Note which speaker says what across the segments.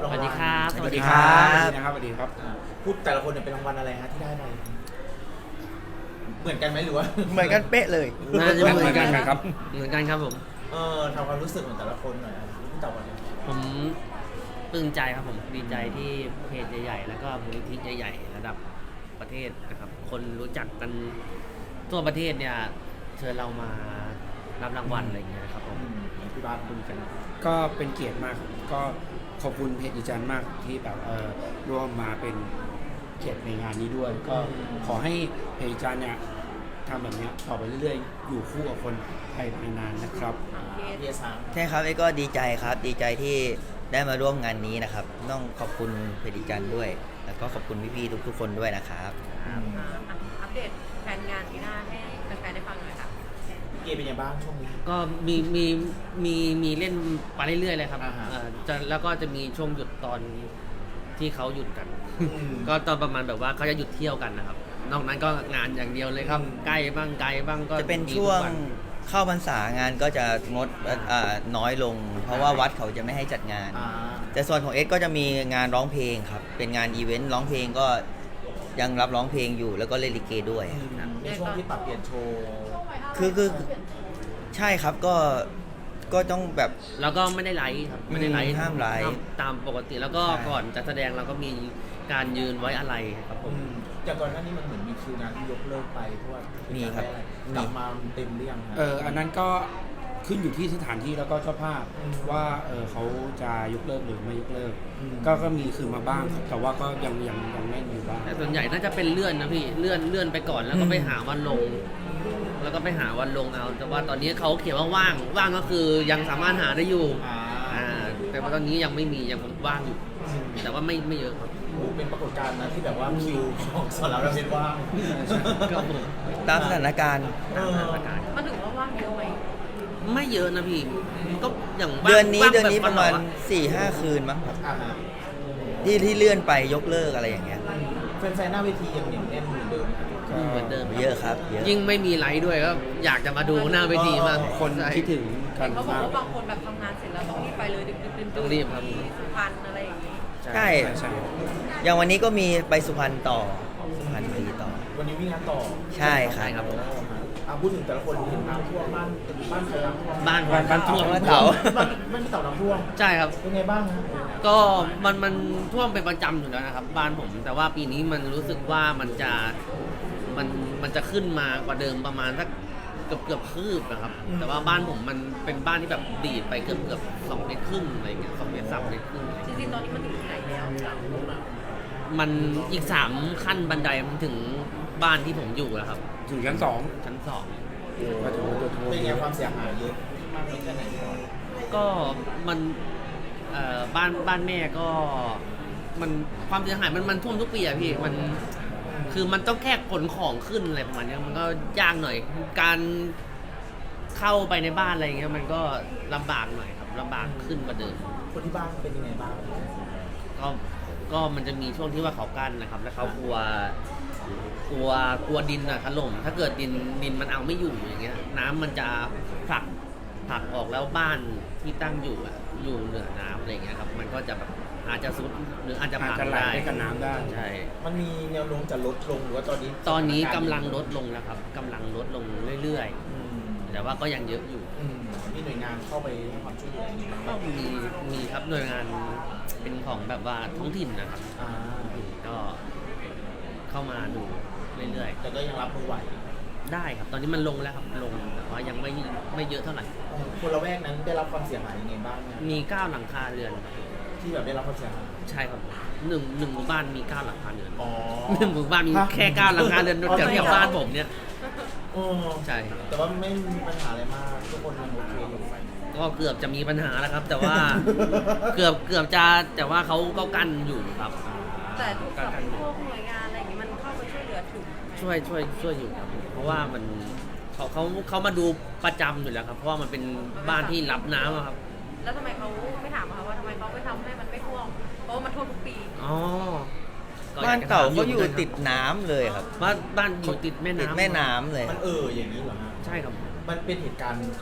Speaker 1: รางวัล
Speaker 2: สวัสดีครับ
Speaker 1: ส
Speaker 2: สวั
Speaker 1: วัส
Speaker 2: สดี
Speaker 1: ดีค
Speaker 2: ครั
Speaker 1: รับบ สวัสดีครับพูดแต่ละคนเนี่ยเป็นรางวัลอะไรฮะที่ได้ไปเหมือนกันไหมหรือว่า
Speaker 3: เหมือนกันเป๊ะเลย
Speaker 2: น่าจะเหมือนกัน
Speaker 4: ครับ
Speaker 2: เหมือนกันครับผม
Speaker 1: ทำความรู้สึกของแต่ละคนหน่อยครับพี่เต่าก่อนเลย
Speaker 2: ผมปลื้มใจครับผมดีใจที่เพจใหญ่ๆแล้วก็มูลนิธิใหญ่ๆระดับประเทศนะครับคนรู้จักกันทั่วประเทศเนี่ยเชิญเรามารับรางวัลอะไรอย่างเงี้ยครับผม
Speaker 1: พี่บาสคุณกัน
Speaker 4: ก็เป็นเกียรติมากครับก็ขอบคุณเพจดิจันมากที่แบบร่วมมาเป็นเกียรติในงานนี้ด้วย ก็ขอให้เพจดิจันเนี่ยทำแบบเนี้ยต่อไปเรื่อยๆ อยู่คู่กับคนไทยไปนานๆนะครับ
Speaker 1: เยซัง
Speaker 3: ใช่ครับเอ้ก็ดีใจครับดีใจที่ได้มาร่วมงานนี้นะครับต้องขอบคุณเพดิจันด้วย แล้วก็ขอบคุณพี่ๆทุกๆคนด้วยนะครับ
Speaker 5: อัปเดตแผนงานปีหน้าให้แฟนๆได้ฟังหน่อยค่ะ
Speaker 1: เกมเป็นยังไงบ้างช่วงนี้
Speaker 2: ก็มีเล่นไปเรื่อยๆเลยครับ
Speaker 1: อ่าฮะ
Speaker 2: แล้วก็จะมีช่วงหยุดตอนที่เขาหยุดกัน ก็ตอนประมาณแบบว่าเขาจะหยุดเที่ยวกันนะครับนอกนั้นก็งานอย่างเดียวเลยครับใกล้บ้างไกลบ้างก็
Speaker 3: จะเป็น
Speaker 2: มี
Speaker 3: ช่วง
Speaker 2: ทุกน
Speaker 3: เข้าพรรษางานก็จะงดน้อยลง เพราะว่าวัดเขาจะไม่ให้จัดงาน แต่ส่วนของเอสก็จะมีงานร้องเพลงครับเป็นงานอีเวนต์ร้องเพลงก็ยังรับร้องเพลงอยู่แล้วก็เล่นลิเกด้วย
Speaker 1: ในช่วงที่ปรับเปลี่ยนโชว์
Speaker 3: คือใช่ครับก็ต้องแบบ
Speaker 2: แล้วก็ไม่ได้ไลฟ์ครับไม่ได้ไลฟ์
Speaker 3: ห้ามไลฟ์
Speaker 2: ตามปกติแล้วก็
Speaker 3: ใช่
Speaker 2: ก่อนจะแสดงเราก็มีการยืนไว้อะไรครับผม
Speaker 1: จากก่อนหน้านี้มันเหมือนมีคิวงานที่ยกเลิกไปเพราะว่ามี
Speaker 3: ครับ
Speaker 1: กลับมาเต็มหรือยังฮะ
Speaker 4: อันนั้นก็ขึ้นอยู่ที่สถานที่แล้วก็เจ้าภาพ ว่าเขาจะยกเลิกหรือไม่ยกเลิก ก็มีคือมาบ้างครับแต่ว่าก็ยังแน่นอยู่บ้าง
Speaker 2: แต่ส่วนใหญ่น่าจะเป็นเลื่อนนะพี่เลื่อนไปก่อนแล้วก็ไปหาวันลง แล้วก็ไปหาวันลงเอาแต่ว่าตอนนี้เขาเขียนว่าว่างก็คือยังสามารถหาได้อยู่แต่ว่าตอนนี้ยังไม่มียังว่างอยู่ แต่ว่าไม่เยอะครับ
Speaker 1: เป็นปรากฏการณ์นะที่แบบว่าคิวของสอนรามเป็นว่าง
Speaker 2: ก็ผม
Speaker 3: ตามสถานการณ์
Speaker 2: ตามสถานการณ์
Speaker 5: มันถือว่าว่างเยอะไหม
Speaker 2: ไม่เยอะนะพี่มันก็อย่างว่าง
Speaker 3: เดือนนี้
Speaker 2: ว่าง
Speaker 3: ป
Speaker 2: แบบ
Speaker 3: ระมาณ
Speaker 2: วันละ
Speaker 3: 4-5 คืนมั้งครับ
Speaker 1: อ่าฮะ
Speaker 3: ที่เลื่อนไปยกเลิกอะไรอย่างเงี้ย
Speaker 1: แฟนๆหน้าเวทียังเหนียวแน่นเหมือนเดิม
Speaker 2: เหมือนเดิม
Speaker 3: เยอะครับเยอะ
Speaker 2: ยิ่งไม่มีไลฟ์ด้วยก็อยากจะมาดูหน้าเวทีมาก
Speaker 4: คน
Speaker 2: ใช่
Speaker 4: คิดถึงกัน
Speaker 5: เขาบอก
Speaker 4: มาก
Speaker 5: ว่าบางคนแบบทำงานเสร็จแล้วต้องรีบไปเลยดึกๆดื่นๆ
Speaker 2: ต้องรีบครับ
Speaker 5: สุพรรณอะไรอย่างนี้
Speaker 3: ใช่
Speaker 4: ใช่
Speaker 3: อย่างวันนี้ก็มีไปสุพรรณต่อสุพรรณบุรีต่อ
Speaker 1: วันนี้วิ่งงานต่อ
Speaker 3: ใช่ค
Speaker 2: ใช่
Speaker 3: รับ
Speaker 2: ครับผม
Speaker 1: พูดถึงแต่ละคนเห็นน้ำท่วมบ้านใครน้ำท่วม
Speaker 2: บ้าน
Speaker 3: ท่วม
Speaker 2: บ้าน
Speaker 3: เต่า
Speaker 1: บ้านเต่าน้ำท่วม
Speaker 2: ใช่ครับ
Speaker 1: เป็นไงบ้างฮะ
Speaker 2: ก็มันท่วมเป็นประจำอยู่แล้วนะครับ บ้านผม แต่ว่าปีนี้มันรู้สึกว่ามันจะขึ้นมากว่าเดิมประมาณสักเกือบคืบนะครับ แต่ว่าบ้านผมมันเป็นบ้านที่แบบดีดไปเกือบ2 เมตรครึ่งอะไรอย่างเงี้ย2 เมตร 3 เมตรครึ่ง
Speaker 5: จริงๆตอนนี้มันถึงที่ไหนแล้ว
Speaker 2: มันอีก3 ขั้นบันไดมันถึงบ้านที่ผมอยู่แล้วครับ
Speaker 4: ถึงชั้นสอง
Speaker 2: ชั้น
Speaker 4: ก็ถือว่าตัวท่วม
Speaker 1: เป็นไงความเสียหายเยอะมากน้อยแค่ไหนก่อน
Speaker 2: 2ก็มันบ้านแม่ก็มันความเสียหายมันท่วมทุกปีอะพี่มันคือมันต้องแค่ขนของขึ้นอะไรประมาณเนี้ยมันก็ยากหน่อย การเข้าไปในบ้านอะไรเงี้ยมันก็ลำบากหน่อยครับลำบากขึ้นกว่าเดิม
Speaker 1: คนที่บ้านเป็นยังไงบ้าง
Speaker 2: ก็มันจะมีช่วงที่ว่าเขากั้นนะครับ แล้วเขากลัวดินอะถล่มถ้าเกิดดินมันเอาไม่อยู่อย่างเงี้ย น้ำมันจะผลักออกแล้วบ้านที่ตั้งอยู่อะอยู่เหนือน้ำอะไรเงี้ยครับ มันก็จะแบบอาจจะซุดหรืออาจจะ
Speaker 4: อาจ
Speaker 2: พัง
Speaker 4: จะไหล
Speaker 2: ได้
Speaker 4: ไปกับน้ำได้
Speaker 2: ใช่
Speaker 1: มันมีแนวโน้มจะลดลงหรือว่าตอนนี้
Speaker 2: ตอนนี้กำลังลดลงแล้วครับกำลังลดลงเรื่อยๆ แต่ว่าก็ยังเยอะอยู่
Speaker 1: มีหน่วยงานเข้าไปให้ความช่วยเหลืออย่างนี้บ้างไหม
Speaker 2: ก็มีครับหน่วยงานเป็นของแบบว่าท้องถิ่นนะครับ
Speaker 1: อ่า
Speaker 2: ก็เข้ามาดูเรื่อย
Speaker 1: แต่ก็ยังรับมือไหว
Speaker 2: ๆ ได้ครับ ตอนนี้มันลงแล้วครับลงแต่ว่ายังไม่เยอะเท่าไหร่
Speaker 1: คนละแวกนั้นได้รับความเสียหายยังไงบ้างเนี่ย
Speaker 2: มี9 หลังคาเรือน
Speaker 1: ที่แบบได้รับความเสียหาย
Speaker 2: ใช่ครับหนึ่งหมู่บ้านมี9 หลังคาเรือน
Speaker 1: อ๋อ
Speaker 2: หนึ่งหมู่บ้านมีแค่9 หลังคาเรือนแถวบ้านผมเนี่ย
Speaker 1: อ๋อ
Speaker 2: ใช่ครับ
Speaker 1: แต่ว่าไม่มีปัญหาอะไรมากทุกคนยังโอเคอยู่
Speaker 2: ก็เกือบจะมีปัญหาแล้วครับ แต่ว่า เกือบจะแต่ว่าเขาก็กั้นอยู่ครับ
Speaker 5: แต่ทุกแบบพวกหน่วยงานอะไรอย่างนี้มันเข้าไปช่วยเหลือถึง
Speaker 2: ช่วยอยู่ครับ เพราะว่ามันเขามาดูประจำอยู่แล้วครับ เพราะว่ามันเป็นบ้านที่รับน้ำอะครับ
Speaker 5: แล้วทำไมเขาไม่ถามอะคะว่าทำไมเขาไม่ทำให้มันไม่ท่วมเพราะว่ามันท่วมทุกปี
Speaker 2: อ๋อก็
Speaker 3: บ้านเต่าเขาอยู่ติดน้ำเลยครับ
Speaker 2: บ้านอยู่ติดแม่
Speaker 3: ติด
Speaker 2: น้ำ
Speaker 3: แม่น้ำเลย
Speaker 1: มันอย่างนี้เหรอฮะ
Speaker 2: ใช่ครับ
Speaker 1: มันเป็นเหตุการณ์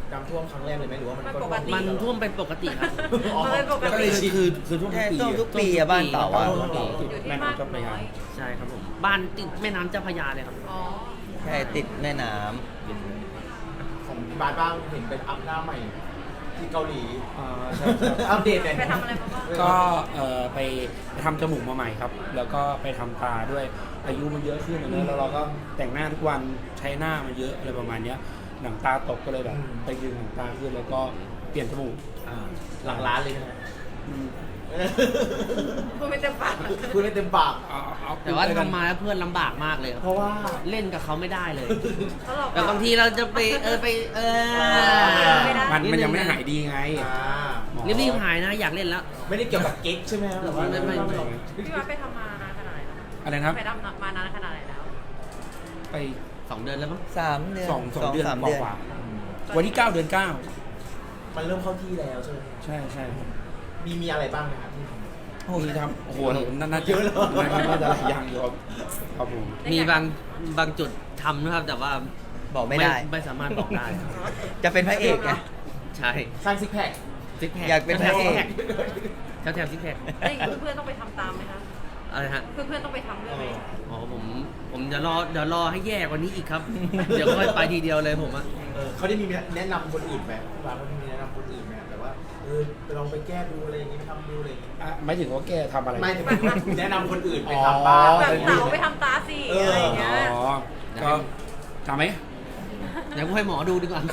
Speaker 1: น้ำท่วมครั้งแรกเลยไหมหรือว่ามันก็
Speaker 2: มันท่วมเป็นปกติครับ
Speaker 5: มันเป็นปก
Speaker 4: แล้วก็เล
Speaker 5: ติ
Speaker 4: ยคือทุก
Speaker 3: ใช่
Speaker 4: ปี
Speaker 3: ต้องทุก
Speaker 4: อะ
Speaker 3: ปีอะบ้านเต่าอะ
Speaker 4: ติดแม่น้ำเจ้าพระยา
Speaker 2: ใช่ครับผมบ้านติดแม่น้ำเจ้าพระยาเลยครับ
Speaker 5: อ๋อ
Speaker 3: ใช่ติดแม่น้ำ
Speaker 1: ของบาสบ้างเห็นเป็นอัพหน้าใหม่ที่เกาหลี
Speaker 4: ใช่
Speaker 1: อัปเดตหน่อย
Speaker 5: ไปทำอะไรมาบ้าง
Speaker 4: ก็ไปทำจมูกมาใหม่ครับ แล้วก็ไปทำตาด้วยอายุมันเยอะขึ้นแล้วเราก็แต่งหน้าทุกวันใช้หน้ามันเยอะอะไรประมาณเนี้ยหนังตาตกก็เลยแบบไปดึงหนังตาขึ้นแล้วก็เปลี่ยนจมูก
Speaker 1: หลังร้านเลยนะ
Speaker 4: อืม
Speaker 5: พูดไม่เต็มปาก
Speaker 1: พูดไม่เต็มปาก
Speaker 4: เอา
Speaker 2: แต่ว่าทำมาแล้วเพื่อนลำบากมากเลยครับ
Speaker 1: เพราะว่า
Speaker 2: เล่นกับเขาไม่ได้เลย
Speaker 5: แล้วเรา
Speaker 2: แต่บางทีเราจะไป
Speaker 5: ไม่ได้
Speaker 4: มันยังไม่หายดีไง
Speaker 2: รีบๆหายนะอยากเล่นแล้ว
Speaker 1: ไม่ได้เกี่ยวกับเก๊กใช่ไหมครับแต่ว่า
Speaker 2: ไม่
Speaker 5: พี่ว่าไปทำมานานขนาดไหนแล้ว
Speaker 4: อะไรนะครับ
Speaker 5: ไปทำมานานขนาดไหนแล้ว
Speaker 4: ไป
Speaker 2: 2 เดือนแล้วมั้ง
Speaker 3: 3 เดือน
Speaker 4: สองเดือน
Speaker 3: 3
Speaker 4: ก
Speaker 3: เดือน
Speaker 4: ว่าๆวันที่ 9 เดือน 9
Speaker 1: มันเริ่มเข้าที่แล้วใช่ไหม
Speaker 4: ใช่ใช่
Speaker 1: มีอะไรบ้างนะครับที่ทำ
Speaker 4: มีทำโอ้โหน่าจะ
Speaker 1: เยอะเลย
Speaker 4: น่าจะหลายอย่างอยู่ครับผม
Speaker 2: มีบางจุดทำนะครับ แต่ว่า
Speaker 3: บอกไม่ได้
Speaker 2: ไม่สามารถบอกได้
Speaker 3: จะเป็นพระเอกไง
Speaker 2: ใช่
Speaker 1: สร้างซิกแพค
Speaker 2: ซิกแพค
Speaker 3: อยากเป็นพระเอก
Speaker 2: แถวซิกแพค
Speaker 5: แล้วอย่างนี้เพื่อนๆต้องไปทำตามไหมคะ
Speaker 2: อะไรฮะ
Speaker 5: เพื่อนๆต้องไปทำด้วยไหม
Speaker 2: อ๋อผมเดี๋ยวรอให้แย่กว่านี้อีกครับ เดี๋ยวค่อยไปทีเดียวเลยผมอะ
Speaker 1: เขาได้มีแนะนำคนอื่นไหมพี่บาสเขาได้มีแนะนำคนอื่นไหมแต่ว่าลองไปแก้ดูอะไรอย่างนี้ไปทำดูอะไรอย่างนี้
Speaker 4: ไม่ถึงว่าแกทำอะไร
Speaker 1: ไม่แต่ว่าแนะนำคนอื่นไปทำบ้าง
Speaker 4: อ๋อ
Speaker 5: แบบเต๋าไปทำตาสิอะไรอย่างเงี้ย
Speaker 4: อ๋อก็ทำไหม
Speaker 2: เดี๋ยวให้หมอดูดีกว่า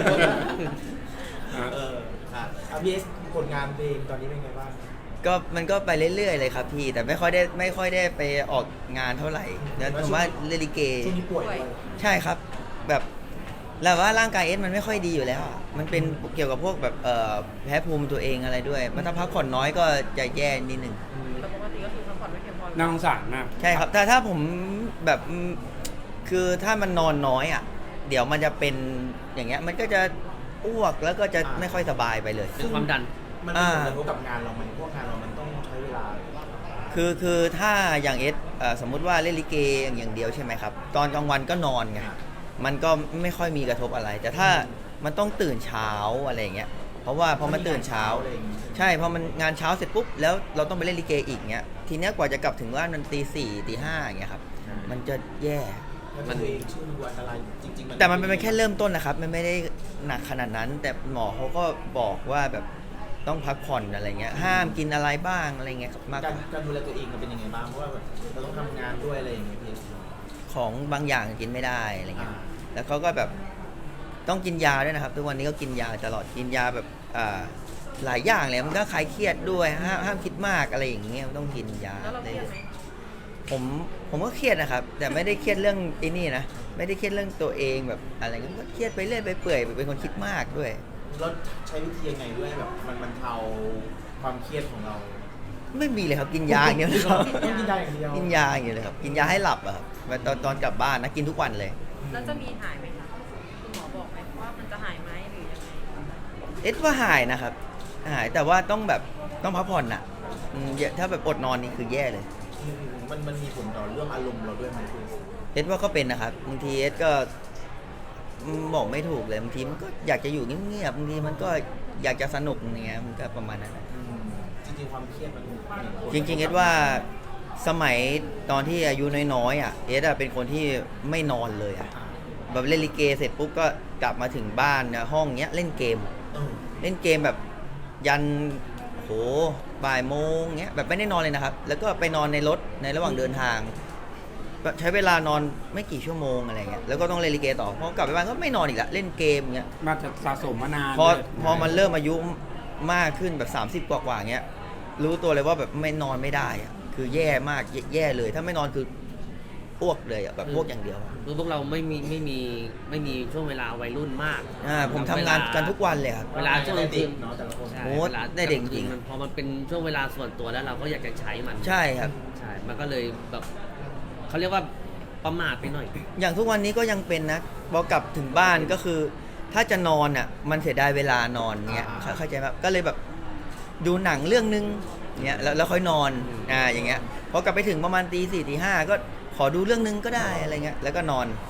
Speaker 1: อาพีเอสผลงานเพลงตอนนี้เป็นไงบ้าง
Speaker 3: ก็มันก็ไปเรื่อยๆเลยครับพี่ แต่ไม่ค่อยได้ไปออกงานเท่าไหร่แล้วผมว่าเล่นลิเก
Speaker 1: ช่วงนี้ป่วยด้วย
Speaker 3: ใช่ครับแบบแล้วว่าร่างกายเอสมันไม่ค่อยดีอยู่แล้วอะมันเป็นเกี่ยวกับพวกแบบแพ้ภูมิตัวเองอะไรด้วยมันถ้าพักผ่อนน้อยก็จะแย่นิดนึง
Speaker 5: แต่ปกติก็คือพักผ่อนไม่เพียงพอ
Speaker 4: น่าสงสารมาก
Speaker 3: ใช่ครับถ้าผมแบบคือถ้ามันนอนน้อยอ่ะเดี๋ยวมันจะเป็นอย่างเงี้ยมันก็จะอ้วกแล้วก็จะไม่ค่อยสบายไปเลย
Speaker 2: เป็นความดัน
Speaker 1: มันมีผลกระทบกับงานเราไหมพวกงานเรามันต้องใช้เวลา
Speaker 3: คือถ้าอย่างเอสสมมุติว่าเล่นลิเกอย่างเดียวใช่ไหมครับตอนกลางวันก็นอนไงมันก็ไม่ค่อยมีกระทบอะไร แต่ถ้ามันต้องตื่นเช้าอะไรอย่างเงี้ยเพราะว่าพอมันตื่นเช้า ใช่พอมันงานเช้าเสร็จปุ๊บแล้วเราต้องไปเล่นลิเกอีกเงี้ยทีเนี้ยกว่าจะกลับถึงบ้านมันตี 4 ตี 5อย่างเงี้ยครับมันจะแย่
Speaker 1: มันตัวเองชื่ออันตรายจริงๆ
Speaker 3: แต่มันเป็นแค่เริ่มต้นนะครับมันไม่ได้หนักขนาดนั้น แต่หมอเขาก็บอกว่าแบบต้องพักผ่อนอะไรเงี้ยห้ามกินอะไรบ้างอะไรเงี้ยครับมากกว่า
Speaker 1: การดูแลตัวเองมันเป็นยังไงบ้างเพราะว่าเราต้องทำงานด้วยอะไรอย่างเงี้ยพี่
Speaker 3: ของบางอย่างกินไม่ได้อะไรเงี้ยแล้วเขาก็แบบต้องกินยาด้วยนะครับทุกวันนี้ก็กินยาตลอดกินยาแบบหลายอย่างเลยมันก็คลายเครียดด้วยห้ามคิดมากอะไรอย่างเงี้ยต้องกินยา
Speaker 5: แล้วเราเครียดไหม
Speaker 3: ผมก็เครียดนะครับ แต่ไม่ได้เครียดเรื่องไอ้นี่นะไม่ได้เครียดเรื่องตัวเองแบบอะไรเงี้ยก็เครียดไปเรื่อยไปเปื่อยเป็นคนคิดมากด้วย
Speaker 1: แล้วใช้วิธียังไงด้วยแบบมันเทาความเครียดของเรา
Speaker 3: ไม่มีเลยครับกินยาอย่างเดียวเลยครับ
Speaker 1: ต้องกินยาอย่างเดียว
Speaker 3: กินยาอย่างเดียวเลยครับกินยาให้หลับอะครับตอนกลับบ้านนะกินทุกวันเลย
Speaker 5: แล้วจะมีหายไหมคะคุณหมอบอกไหมว่ามันจะหายไหมหรือยังไง
Speaker 3: เอ็ดว่าหายนะครับหายแต่ว่าต้องแบบต้องพักผ่อนน่ะถ้าแบบอดนอนนี่คือแย่เลย
Speaker 1: มันมีผลต่อเรื่องอารมณ์เราด้วยไหมพี่
Speaker 3: เอ็ดว่าก็เป็นนะครับบางทีเอ็ดก็บอกไม่ถูกเลยบางทีมันก็อยากจะอยู่เงียบๆบางทีมันก็อยากจะสนุกอย่างเงี้ยมันก็ประมาณนั้นนะ
Speaker 1: จริงๆความเครียดมัน
Speaker 3: จริงๆเอ็ดว่าสมัยตอนที่อายุน้อยๆอ่ะเอ็ดเป็นคนที่ไม่นอนเลยอ่ะแบบเล่นลิเกเสร็จปุ๊บก็กลับมาถึงบ้านนะห้องเนี้ยเล่นเกมแบบยันโหบ่ายโมงเงี้ยแบบไม่ได้นอนเลยนะครับ แล้วก็ไปนอนในรถในระหว่างเดินทางใช้เวลานอนไม่กี่ชั่วโมงอะไรเงี้ยแล้วก็ต้องเล่นลิเกต่อพอกลับไปบ้านก็ไม่นอนอีกละเล่นเกมเงี้ย
Speaker 4: มาจะสะสมมานาน
Speaker 3: พอมันเริ่มอายุมากขึ้นแบบ30กว่าเงี้ยรู้ตัวเลยว่าแบบไม่นอนไม่ได้อะคือแย่มากแย่เลยถ้าไม่นอนคืออ้วกเลยอะแบบอ้วกอย่างเดียว
Speaker 2: คือพวกเราไม่มีช่วงเวลาวัยรุ่นมาก
Speaker 3: ผมทำงานกันทุกวันเลยครับ
Speaker 2: เวลาช่วงกลางคืน
Speaker 1: เนาะแต่ละคน
Speaker 2: ใช่
Speaker 3: โอ้
Speaker 2: เวลา
Speaker 3: ได้เด็กจริง
Speaker 2: มันพอมันเป็นช่วงเวลาส่วนตัวแล้วเราก็อยากจะใช้มัน
Speaker 3: ใช่ครับ
Speaker 2: ใช่มันก็เลยแบบเขาเรียกว่าประมาทไปหน่อย
Speaker 3: อย่างทุกวันนี้ก็ยังเป็นนะพอกลับถึงบ้านก็คือ ถ้าจะนอนอ่ะมันเสียดายเวลานอนเงี้ยเข้าใจไหมก็เลยแบบดูหนังเรื่องนึงเงี้ยแล้วค่อยนอนอย่างเงี้ยพอกลับไปถึงประมาณตี 4 ตี 5ก็ขอดูเรื่องนึงก็ได้อะไรเงี้ยแล้วก็นอน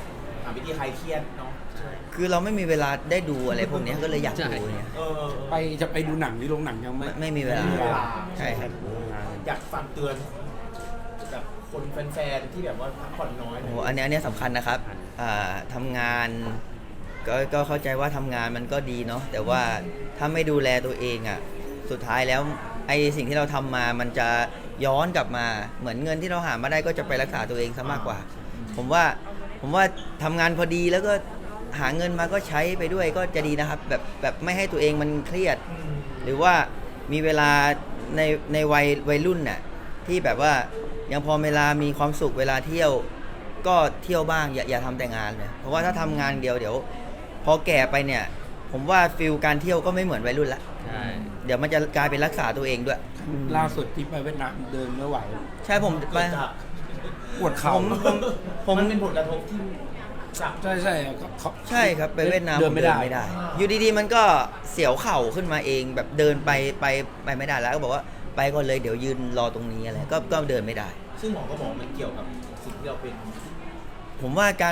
Speaker 1: หาวิธีคลายเครียดเนาะ
Speaker 3: คือเราไม่มีเวลาได้ดูอะไรพวกเนี้ยก็เลยอยากดูเนี่ย
Speaker 4: จะไปดูหนังที่โรงหนังยังไม่
Speaker 3: ไม่มีเวลา
Speaker 1: ไม่มีเวลา
Speaker 3: ใช่ครับ
Speaker 1: อยากฝากเตือนแบบคนแฟนๆที่แบบว่าพักผ่อนน้อย
Speaker 3: โอ้โหอันเนี้ยสำคัญนะครับทำงานก็เข้าใจว่าทำงานมันก็ดีเนาะแต่ว่าถ้าไม่ดูแลตัวเองอ่ะสุดท้ายแล้วไอ้สิ่งที่เราทำมามันจะย้อนกลับมาเหมือนเงินที่เราหามาได้ก็จะไปรักษาตัวเองซะมากกว่า ผมว่าทำงานพอดีแล้วก็หาเงินมาก็ใช้ไปด้วยก็จะดีนะครับแบบไม่ให้ตัวเองมันเครียด หรือว่ามีเวลาในวัยรุ่นน่ะที่แบบว่ายังพอเวลามีความสุขเวลาเที่ยวก็เที่ยวบ้างอย่าทำแต่งานเลยเพราะว่าถ้าทำงานเดียวเดี๋ยวพอแก่ไปเนี่ยผมว่าฟิลการเที่ยวก็ไม่เหมือนวัยรุ่นละ
Speaker 2: ใช่
Speaker 3: เดี๋ยวมันจะกลายเป็นรักษาตัวเองด้วย
Speaker 4: ล่าสุดที่ไปเวียดนามเดินไม่ไหว
Speaker 3: ใช่ผมไป
Speaker 1: เกิดจาก
Speaker 4: ปวดเข่า
Speaker 3: ผม
Speaker 1: มันเป็นผลกระทบที่จาก
Speaker 4: ใช่เขา
Speaker 3: ใช่ครับไปเวียดนาม
Speaker 4: เดินไม่ได้
Speaker 3: อยู่ดีๆมันก็เสียวเข่าขึ้นมาเองแบบเดินไปไม่ได้แล้วก็บอกว่าไปก่อนเลยเดี๋ยวยืนรอตรงนี้อะไรก็เดินไม่ได้
Speaker 1: ซึ่งหมอก็บอกมันเกี่ยวกับสิ่งที่เราเป็น
Speaker 3: ผมว่าการ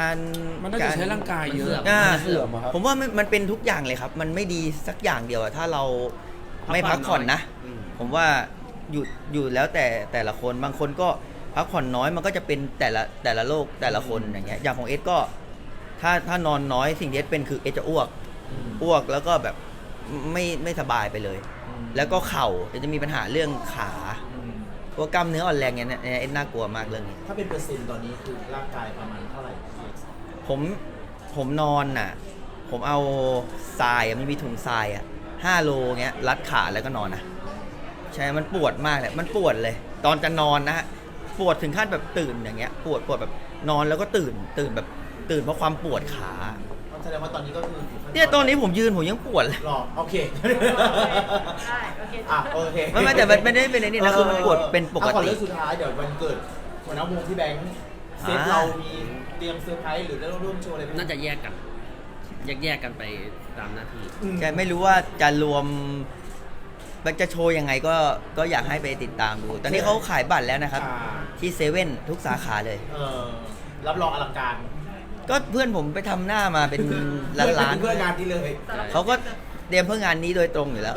Speaker 4: มันน่าจะใช้ร่างกายเยอะ
Speaker 3: อ่า
Speaker 4: มันเสื่อมอะครับ
Speaker 3: ผมว่ามันเป็นทุกอย่างเลยครับ มันไม่ดีสักอย่างเดียวอะถ้าเราไม่พักผ่อนนะ ผมว่าอยู่แล้วแต่ละคนบางคนก็พักผ่อนน้อยมันก็จะเป็นแต่ละโรคแต่ละคนอย่างเงี้ยอย่างของเอสก็ถ้านอนน้อยสิ่งที่เอสเป็นคือเอสจะอ้วกแล้วก็แบบไม่สบายไปเลย แล้วก็เข่าจะมีปัญหาเรื่องขาพวกกล้ามเนื้ออ่อนแรงเนี่ยเอสน่ากลัวมากเรื่องนี้
Speaker 1: ถ้าเป็นเปอร์เซ็นต์ตอนนี้คือร่างกายประมาณเท่าไหร่
Speaker 3: ผมนอนน่ะ ผมเอาทรายอะมันมีถุงทรายอ่ะ5 โลเงี้ยรัดขาแล้วก็นอนนะใช่มันปวดมากเลยมันปวดเลย ตอนจะนอนนะฮะปวดถึงขั้นแบบตื่นอย่างเงี้ยปวดแบบนอนแล้วก็ตื่นแบบตื่นเพราะความปวดขา
Speaker 1: แสดงว่าตอนนี้ก็คืออยู่ขั้
Speaker 3: เนี่ยตอนนี้ผมยืนผมยังปวดเลย
Speaker 1: รอโอเค
Speaker 5: ได้โอเค
Speaker 1: อ่ะโอเค
Speaker 3: ไม่แต่มันไม่ได้เป็นไอ้นี่นะคือมันปวดเป็นปก
Speaker 1: อ่ะขอ
Speaker 3: ติ
Speaker 1: เรื่องสุดท้ายเดี๋ยววันเกิดหัวหน้าวงที่แบงค์เซตเรามีเตรียมเซอร์ไพรส์หรือได้ร่วมโชว์อะไรไหม
Speaker 2: น่าจะแยกกันไปตามหน้าที่
Speaker 3: ใช่ไม่รู้ว่าจะรวมมันจะโชว์ยังไงก็อยากให้ไปติดตามดู ตอนนี้เขาขายบัตรแล้วนะครับ ที่เซเว่นทุกสาขาเลย
Speaker 1: รับรองอลังการ
Speaker 3: ก็เพื่อนผมไปทำหน้ามาเป็นล้าน
Speaker 1: เพื่องานที่เลย
Speaker 3: ๆเขาก็เตรียมเพื่องานนี้โดยตรงอยู่แล้ว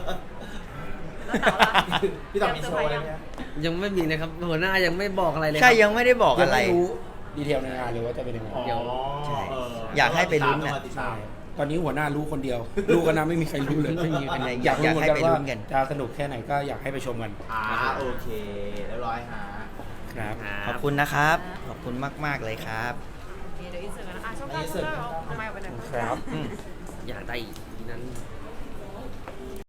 Speaker 1: พี่ต่อมีโชว์อะไรไหม
Speaker 2: ยังไม่มีนะครับหัวหน้ายังไม่บอกอะไรเลยค
Speaker 3: ใช่
Speaker 2: รับ
Speaker 3: ยังไม่ได้บอก
Speaker 4: ยัง
Speaker 3: อะไร
Speaker 4: ไม่รู้ดีเทลในงานเลยว่าจะเป็นยังไง
Speaker 1: อ๋อ
Speaker 2: เดี๋ยว
Speaker 3: ใช่อยากให้ไปลุ้นน่ะ
Speaker 1: ติดตาม
Speaker 4: ตอนนี้หัวหน้ารู้คนเดียว รู้กันนะไม่มีใครรู้เลย
Speaker 3: ไม่มีใคร
Speaker 4: อยากรู้เหมือน
Speaker 3: อยากให้
Speaker 4: กัน
Speaker 3: ไปลุ้
Speaker 4: ว่าน
Speaker 3: กัน
Speaker 4: จะสนุกแค่ไหนก็อยากให้ไปชมกัน
Speaker 1: โอเคเรียบร้อยฮะ
Speaker 4: ครับ
Speaker 3: ขอบคุณนะครับ ขอบคุณมาก ๆ เลยครับ
Speaker 5: เดี๋ยวอินเสิร์ตกันนะช่อง9ช่อง9เอาไมค์ออกไปหน่อย
Speaker 4: ครับ
Speaker 2: อยากได้อีกทีนั้น